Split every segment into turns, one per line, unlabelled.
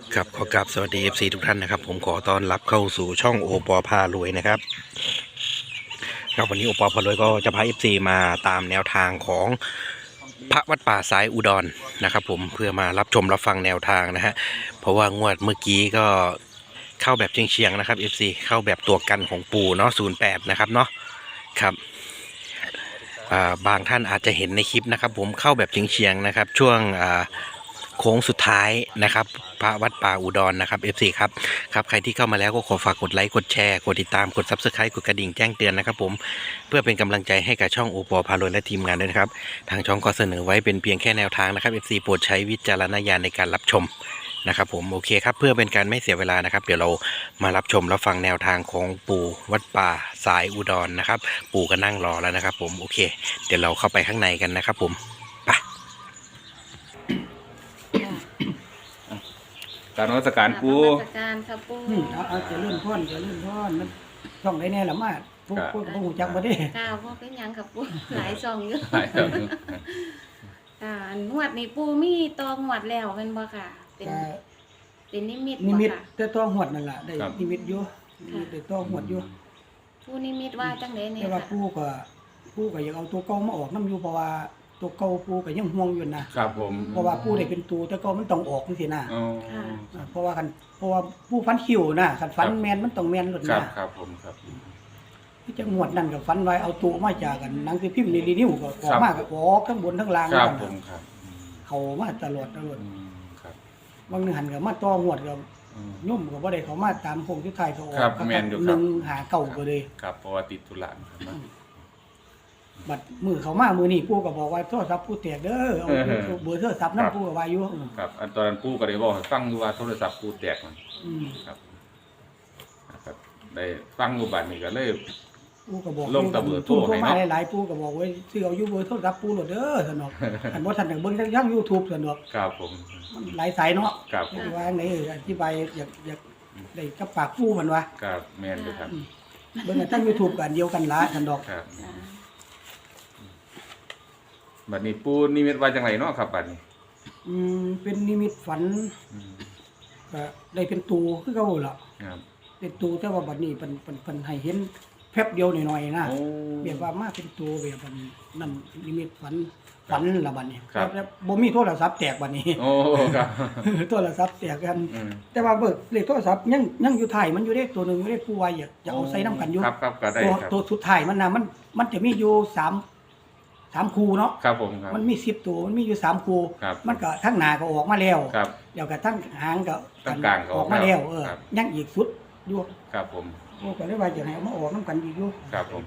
ครับขอกราบสวัสดี FC ทุกท่านนะครับผมขอต้อนรับเข้าสู่ช่องโอปอพารวยนะครับครับวันนี้โอปอพารวยก็จะพา FC มาตามแนวทางของพระวัดป่าสายอุดรนะครับผมเพื่อมารับชมรับฟังแนวทางนะฮะเพราะว่างวดเมื่อกี้ก็เข้าแบบเฉียงๆนะครับ FC เข้าแบบตัวกันของปู่เนาะ08นะครับเนาะครับบางท่านอาจจะเห็นในคลิปนะครับผมเข้าแบบเฉียงๆนะครับช่วงโค้งสุดท้ายนะครับพระวัดป่าอุดรนะครับ FC ครับใครที่เข้ามาแล้วก็ขอฝากกดไลค์กดแชร์กดติดตามกด Subscribe กดกระดิ่งแจ้งเตือนนะครับผมเพื่อเป็นกำลังใจให้กับช่องโอปอพารวยและทีมงานด้วยนะครับทางช่องก็เสนอไว้เป็นเพียงแค่แนวทางนะครับ FC โปรดใช้วิจารณญาณในการรับชมนะครับผมโอเคครับเพื่อเป็นการไม่เสียเวลานะครับเดี๋ยวเรามารับชมรับฟังแนวทางของปู่วัดป่าสายอุดรนะครับปู่ก็นั่งรอแล้วนะครับผมโอเคเดี๋ยวเราเข้าไปข้างในกันนะครับผม
การนมัสการปู
นมัสการค่ะปู
เอาจะเลื่อนพ่อนมันช่องได้แน่ละมาพวกหูจักบ่ได้
ก้าวพ่อเป็นหยังค่ะปูหลายซองเยอะ
ใช่ครับ
งวดนี้ปูมีตองวดแล้วเป็นบ่ค่ะ เป็นนิมิต
นิ
บ่
มิต
ค่ะ
แต่ต้องหวดนั่นล่ะได้นิมิตอยู่ได้ต้องหวดอยู่
ปูนิมิตว่าจังได๋เนี่ย
แต่ว่า
ค่ะ
ปู่ก็อยากเอาตัวเก่ามาออกนํอยู่เพราะว่าตัวเก่าปู่ก็ยังห่วงอยู่นะครับ
ผม
เพราะว่าปู่ได้เป็นตัวแต่เก่ามันต้องออกจังซี่นะ
อ๋อ
เพราะว่าปู่ฟันคิวนะคันฟันแม่นมันต้องแม่นหลด
ครับ
นะครับ
ผมครับ
ที่จังหวดนั่นก็ฟันไว้เอาตัวมาจากกันหนังสือพิมพ์ในนิ้วก็ออกมาก็ออกทั้งบนทั้งล่าง
ครับ
นั่น
ผ
น่ะ
มครับ
เขามาตลอด
ครับ
บางหนึ่งหันกับมาต่อหวดกับยุ่มกับว่าได้เขามาตามโคงที่ไทยเขาออก
ครับแม่นอยู่ครับ
หนึ่งหาเก่าก็เลย
ครับเพราะว่าติดธุระครับ
บัดมือเขามามือนี่ปู่ก็บอกว่าโทรศัพท์ปู่แตกเด้อเอาเบอร์โทรศัพท์นั่นปู่ก็ว่าอยู่
ครับอันตอนนั้นปูก็ได้บอกให้ฟังอยู่ว่าโทรศัพท์ปูแตกมัน
อืม
ครับนะครับได้ฟังอยู่บัดนี้ก็เลย
ปู่ก็บอก
ลงแต่เบอร์โทร
ให้
ให้
มา
เนาะ
หลายๆปู่ก็บอกว่าซื้อเอาอยู่เบอร์โทรศัพท์ปู่โหลดเด้อสนอกอันบ่ทันได้เบิ่งทาง YouTube สนอก
ครับผม
มันหลายสายเนาะ
ครับผม
ว่าไหนอธิบายอยากได้กับปากปู่มันว่า
ครับแม่นอยู่ครับ
เบิ่งทาง YouTube ก็อันเดียวกันละสนอก
ครับบัดนี้ปูนิมิตว่าจังไรเนาะครับบัดนี้
เป็นนิมิตฝัน
อืม
ก็ได้เป็นตูคือเก่าล่ะ
ครับ
เป็นตูแต่ว่าบัดนี้เพิ่นให้เห็นแป๊บเดียวหน่อยๆนะ
โอ้
แบบว่ามาเป็นตูแบบบัดนี้นั่นนิมิตฝันละบัดนี้
ครับ
แล้วบ่มีโทรศัพท์แตกบัดนี้
โอ้ครับ
โทรศัพท์แตกกัน
อืม
แต่ว่าเบิกเลขโทรศัพท์ยังอยู่ท้ายมันอยู่ได้ตัวหนึงไม่ได้ผู้ไว้อยากจะเอาใส่นํกันอยู่
ครับก็ได้ครับ
ตัวสุดท้ายมันน่ะมันจะมีอยู่3คู่เนาะ
ครับผมครับ
มันมี10ตัวมันมีอยู่3คู่
ครับ
มันก็ทั้งหน้าก็ออกมาแล้ว
ครับ
เดี๋ยวก็ทั้งหางก็
ทั้งกลางก็
ออกมาแล้ว
ครับ
ยังอีกสุดอยู่
ครับผม
โอ้ก็เลยว่าจะให้เอามาออกน้ำกันอีกอยู่
ครับผม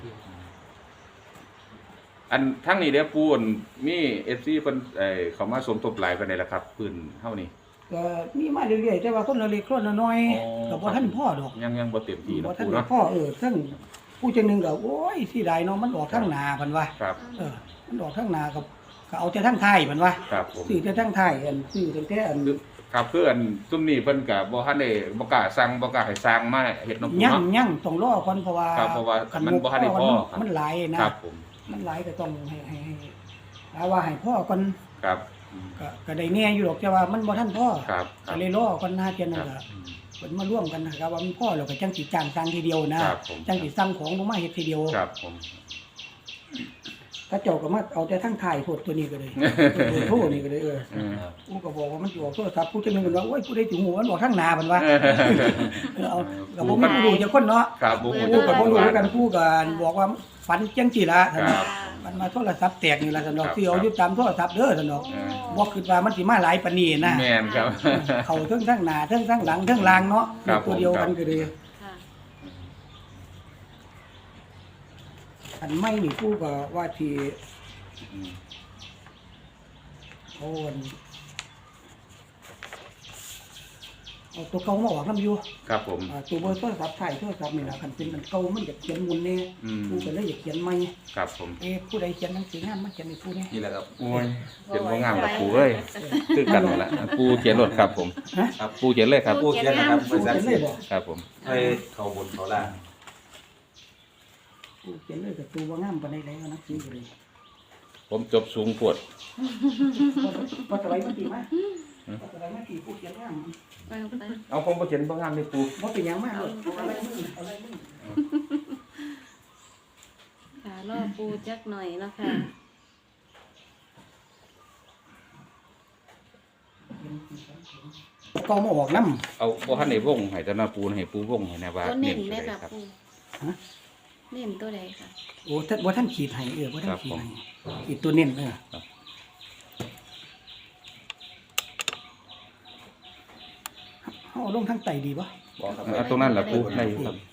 อันทั้งนี้เด้อปูนมีFCเพิ่นเขามาสมทบหลายปานใดล่ะครับปืนเฮานี่
ก็มีมาเรื่อยๆแต่ว่าคนละเล็กคนละน้อย
อ๋อ
ก็บ่ทันพ่อดอก
ยังบ่เต็มที่
บ่
เนาะ
ทัน
ปู
ได้
เนาะ
พ่อซึ่งผู้จังหนึงก็โอ้ยสิได้เนาะมันออกทางหน้าเพิ่นว่า
ครับ
มันออกทางหน้าก็เอาแต่ทางท้ายเพิ่นว่า
ครับผม
ซื้อแต่ทางท้ายซื้อแต่อัน
ครับคืออันซุมนี้เพิ่นก็บ่ทันได้บ่กล้าสั่งบ่กล้าให้สร้างมาเฮ็ดเนาะปู
ยัง
เนาะ
ยังต้องรอก่อนเพราะว่า
ครับเพราะว่า
คั
มันบ่ทันได้พ่อครับ
มันหลายนะครับ
ผม
มันหลายก็ต้องให้ว่าให้พ่อก่อน
ครับอืม
ก็ได้แน่อยู่หรอกแต่ว่ามันบ่ทันพ่อ
ครับค
ก็
รับ
เลยรอก่อนหน้าเจยน
ค
นั่
รั
น
บ
ก็เพิ่นมาร่วมกันนะครับว่ามันพ่อแล้วก็จังสิจ้างสร้างทีเดียวนะครับ
ผม
จังสิสั่งของลงมาเฮ็ดทีเดียว
ครับผม
ถ้าเจ้าก็มาเอาแต่ทั้งถ่ายโพดตัวนี้ก็เลยเบอร์โทรนี่ก็เลย
อืม
กูก็บอกว่ามันสิออกโทรศัพท์ผู้จังนึงมันว่าโอ้ยผู้ใดสิฮู้มันบอกทางหน้ามันว่าเอาก็บ่มีผู้รู้จักคนเนาะ
ครับบ่
ผู้ก็บ่รู้คือกันผู้ก็บอกว่าฝันจังซี่ล่ะ
ครับ
มันมาโทรศัพท์แตกนี่ล่ะซั่นดอก
ครับ
สิเอาอยู่ตามโทรศัพท์เด้อซั่นดอก
เออ
บ่คิดว่ามันสิมาหลายปานนี้นะ
แม่นครับ
เขาเทั้งทั้งหน้าเทั้งทั้งหลังเทั้งล่างเนาะ
ครับ
ตัวเดียวกันก็เลย
ค่ะ
อันไม่นี่ผู้ก็ว่าที่
อืม
เอาตัวเก่ามาออกนํอยู่
ครับผม
ตัวเบอร์โทรศัพท์ถ่ายโทรศัพท์นี่ล่ะคันเป็นมันเก่ามันอยากเขียนมุนแน่
อืม
ผู้ก็เลยอยากเขียนใหม่
ครับผม
ผู้ใดเขียนหนังสืองานมาเขียนให้ผู้แน่
นี่แหละครับโอ้ยเขียนบ่งามกับปูเอ้ยคือกันหมดละปูเขียนรถครับผม
ฮะ
ครับปูเขียนเลยครับ
ปูเขียนนะครับ
ผู้เขียนเลยบ่
ครับผม
ให้เขาบนเขาล่าง
ผู้เขียนเลยก็ตัวบ่งามปานใดแล้วหนังสือก็เลย
ผมจบสูงปวด
พอสบายมันสิมาเอาอะไรมาตีปูเขียนว่าง
วางไป
เอาผมบ่เขียนบ่งามเลยปู
บ่เป็นหยังมากเลยเอาอะไรมึงเอาอะไรมึง
ค่ะรอปูจักหน่อยเนาะค่ะ
ก็มาออกน้ำ
เอาบ่ทันได้วงให้แต่นาปูให้ปูวงให้แน่ว่า
ตัวเน้น
ตัว
ไหม
ใด
ค่ะ
ครับ
ปูเน้นตัวใดค่ะ
โอ้ท่านว่าท่านขีดให้ว่าท่านขีดให้
ครับ
ขีดตัวเน้นเอาลงทั้งไตดีปะ
บอกครับ
เอาตรงนั้นล่ะปูได้อยู่ครับ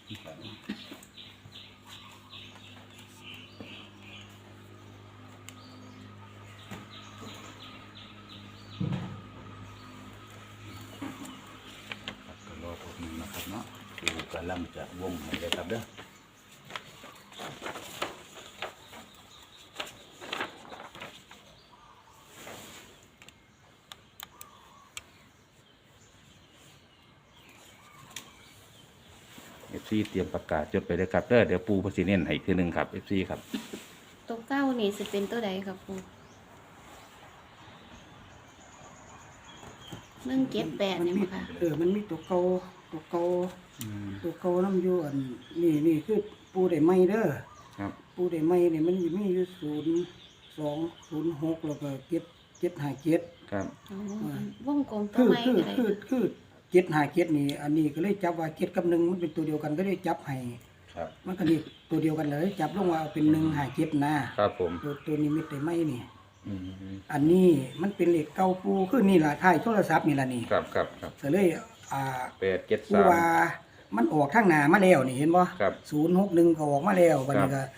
ก็รอพวกนี้นะครับเนาะ
ปูกำลังจะวงให้เลยครับเด้อ
FC เตรียมประกาศจดไปเลยครับเด้อเดี๋ยวปูเพนสิเน้นให้อีกทีหนึงครับ FC ครับ
ตัวเก้านี่สิเป็นตัวใดค่ะปู178นี่มั้งค่ะ
มันมีตัวเก่าตัวเก่าตัวเก่าน้ำอยู่อันนี่คือปูได้ไม่เด้อ
ครับ
ปูได้ไม่เนี่ยมันมีอยู่0206แล้วก็757
ครับ
อ๋อวงกลมตัวไม้ก็ได้
คือ757นี่อันนี้ก็เลยจับว่า7กับ1มันเป็นตัวเดียวกันก็เลยจับให้
ครับ
มันก็นี่ตัวเดียวกันเลยจับลงว่าเป็น157นะครับ
ผม
ตัวนี้มีแต่ไม่นี่
อืม
อันนี้มันเป็นเหล็กเก่าปูคือนี่ล่ะท้ายโทรศัพท์นี่ล่ะนี่
ครับครับครับ
ก็เลยปูว่า
873
มันออกทางหน้ามาแล้วนี่เห็นบ่
ครับ
061ก็ออกมาแล้วบัดนี้ก็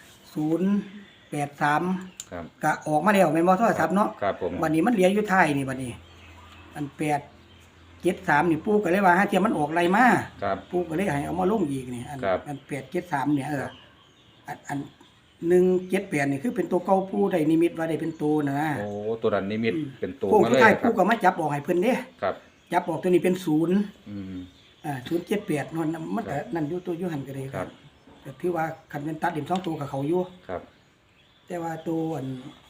083
ครับ
ก็ออกมาแล้วแม่นบ่โทรศัพท์เนาะ
ครับผม
บัดนี้มันเหลืออยู่ท้ายนี่บัดนี้ อัน873นี่ปูก็เลยว่าหาเทียมมันออกไรมา
ครับ
ปูก็เลยให้เอามาลงอีกนี่อัน
ครับ
อัน873เนี่ยอัน178นี่คือเป็นตัวเก่าปูได้นิมิตว่าได้เป็นตัวนะ
โอ้ตัวนั้นนิมิตเป็นตัว
ปู
มา
ผู้
เลย
ชาย
ครั
ปู
บ
ก็มาจับออกให้เพิ่นเด้
ครับ
จับออกตัวนี้เป็น0
อืม
078นั่นมันก็นั่นอยู่ตัวอยู่หันก็ได้
ครับ
แต่ถือว่าคันเป็นตัดเด่น2ตัวกับเขาอยู่
ครับ
แต่ว่าตัวอัน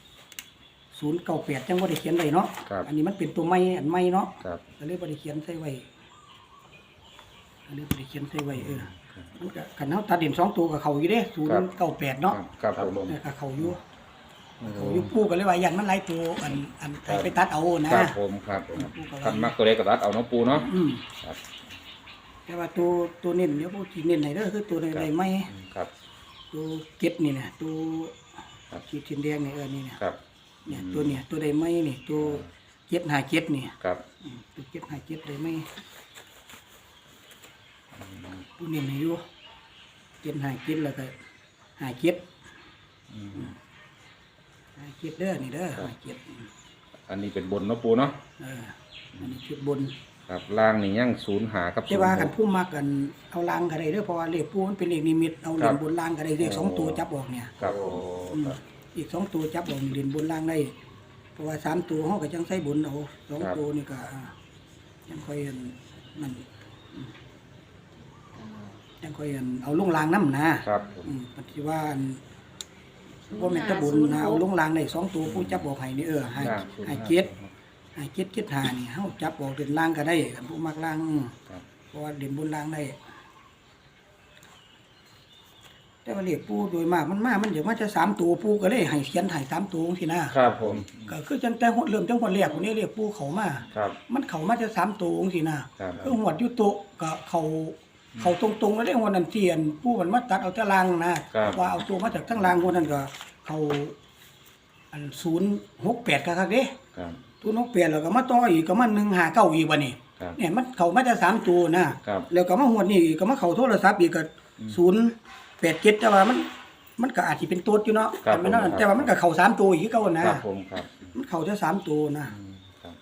098จังบ่ได้เขียนไว้เนาะ
ครับ
อันนี้มันเป็นตัวใหม่อันใหม่เนาะ
ครับ
ก็เลยบ่ได้เขียนใส่ไว้ก็เลยบ่ได้เขียนใส่ไว้มันก็คันเฮาตัดเด่น2ตัวกับเขาอยู่เด้098เนาะ
ครับผม
กับเขาอยู่เขาอยู่ปูก็เลยว่าอย่างมันหลายตัวอันไปตัดเอานะครับ
ผมครับคันมักตัวเล็กกับรัดเอาเนาะปูเนาะ
อืม
ครับ
แต่ว่าตัวเน้นเดี๋ยวพวกที่เน้นไหนเด้อคือตัวใดๆไม่
ครับ
ตัวเก็ดนี่นะตัว
ครับ
ขีดสีแดงนี่นี่เนี่ย
ครับ
เนี่ยตัวเนี่ยตัวใดไม่นี่ตัว757นี่
ครับ
ตัว757ใดไม่ตัวเน้นให้อยู่757แล้วก็57
อืม
57เด้อนี่เด้อ57
อันนี้เป็นบนเนาะปูเนาะ
อันนี้ชุดบน
ครับล่างนี่ยังศูนย์หากับ
แต่ว่ากันผู้มักกันเอาลางก็ได้เด้อเพราะว่าเลขปูมันเป็นเลขนิมิตเอาเหรียญบนลางก็ได้เลข2ตัวจับออกเนี่ย
ครับ
อีก2ตัวจับออกนี่เหรียญบนลางได้เพราะว่า3ตัวเฮาก็จังใส่บนเอา2ตัวนี่ก็ยังค่อยนั่นยังค่อยเอาลงลางนำนะครับ ปฏิว่าบ่แม่นตะบุญนะเอาลงลางได้2ตัวผู้จับออกให้นี่ให้เจ็ด5นี่เฮาจับออกเหรียญลางก็ได้กันผู้มักลาง
ครับ
เพราะว่าเหรียญบนลางได้ แต่ว่าเลขปูโดยมากมันเดี๋ยวมันจะ3ตัวปูก็เลยให้เขียนให้3ตัวจังซี่นะครับ
ผม
ก็คือจังแต่เริ่มจังหวดแรกคนนี้เลขปูเข้ามา
ครับ
มันเข้ามาจะ3ตัวจังซี่นะครับ คือหวดอยู่โตะก็เข้าตรงๆแล้วได้หัวนั้นเทียนปูมันมาตัดเอาแต่ล่างนะครับ ว่าเอาตัวมาจากทั้งล่างหัวนั้นก็เข้าอัน068คักๆเด้
ครับ
ตัว68แล้วก็มาต่ออีกก็มา159อีกบัดนี้
ครับ
เนี่ยมันเข้ามาจะ3ตัวนะครับ แล้วก็มาหวดนี้อีกก็มาเข้าโทรศัพท์อีกก็087แต่ว่ามันก็อาจสิเป็นตัวอยู่เนาะ
ครับ
แต่มันแต่ว่ามันก็เข้า3ตัวอีกคือเก่านะครับ
ผมครับ
มันเข้าแต่3ตัวนะครับ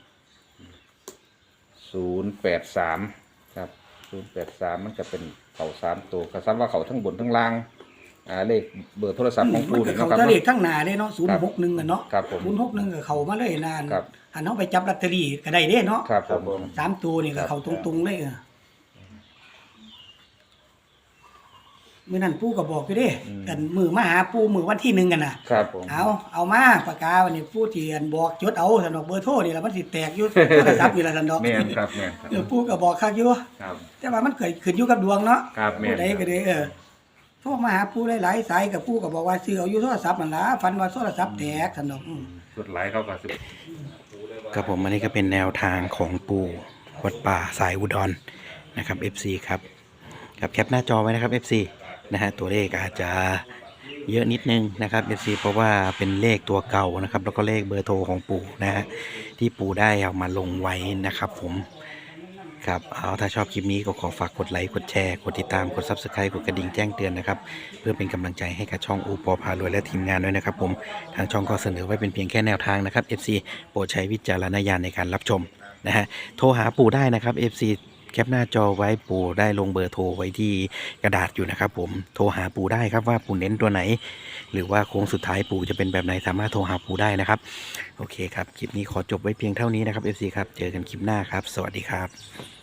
083ครับ083มันจะเป็นเขา3ตัวก็ซ้ำว่าเขาทั้งบนทั้งล่างเลขเบอร์โทรศัพท์ของ
มั
ปู
นก็
นี่
เข้า
เนาะครับ
แต่เล
เนาะ
ขทั้งหน้าเด้เนาะ061อ่ะเนาะ
ครับผม
061ก็เข้ามาเลยนาน
ครับ
อันเฮาไปจับลอตเตอรี่ก็ได้เด้เนาะ
ครับผม
3ตัวนี่ก็เข้าตรงๆเลยมื้อนั้นปู่ก็บอกอยู่เด้
อืม
กันมื้อมาหาปู่มื้อวันที่1กันน่ะ
ครับผม
เอามาปากกาวันนี้ปู่ที่อันบอกจดเอาซั่นดอกเบอร์โทรนี่ล่ะมันสิแตกอยู่ โทรศัพท์นี่ล่ะซั่นดอก
แม่นครับแม่นครับ
ปู่ก็บอกคักอยู่
ครับ
แต่ว่ามันเกิดขึ้นอยู่กับดวงเนาะ
ครับแม่น
ผู้ใดก็ได้โทรมาหาปู่หลายๆสายกับปู่ก็บอกว่าซื้อเอาอยู่โทรศัพท์นั่นล่ะฝันว่าโทรศัพท์แตกซั่นดอก
สุดหลายเขาก็สิ
ครับผมอันนี้ก็เป็นแนวทางของปู่วัดป่าสายอุดรนะครับ FC ครับแคปหน้าจอไว้นะครับ FC นะฮะตัวเลขอาจจะเยอะนิดนึงนะครับ FC เพราะว่าเป็นเลขตัวเก่านะครับแล้วก็เลขเบอร์โทรของปู่นะฮะที่ปู่ได้เอามาลงไว้นะครับผมครับเอาถ้าชอบคลิปนี้ก็ขอฝากกดไลค์กดแชร์กดติดตามกด Subscribe กดกระดิ่งแจ้งเตือนนะครับเพื่อเป็นกำลังใจให้กับช่องโอปอพารวยและทีมงานด้วยนะครับผมทางช่องก็เสนอไว้เป็นเพียงแค่แนวทางนะครับ FC โปรดใช้วิจารณญาณในการรับชมนะฮะโทรหาปู่ได้นะครับ FC แคปหน้าจอไว้ปู่ได้ลงเบอร์โทรไว้ที่กระดาษอยู่นะครับผมโทรหาปู่ได้ครับว่าปู่เน้นตัวไหน หรือว่าโค้งสุดท้ายปู่จะเป็นแบบไหนสามารถโทรหาปู่ได้นะครับโอเคครับคลิปนี้ขอจบไว้เพียงเท่านี้นะครับ FC ครับเจอกันคลิปหน้าครับสวัสดีครับ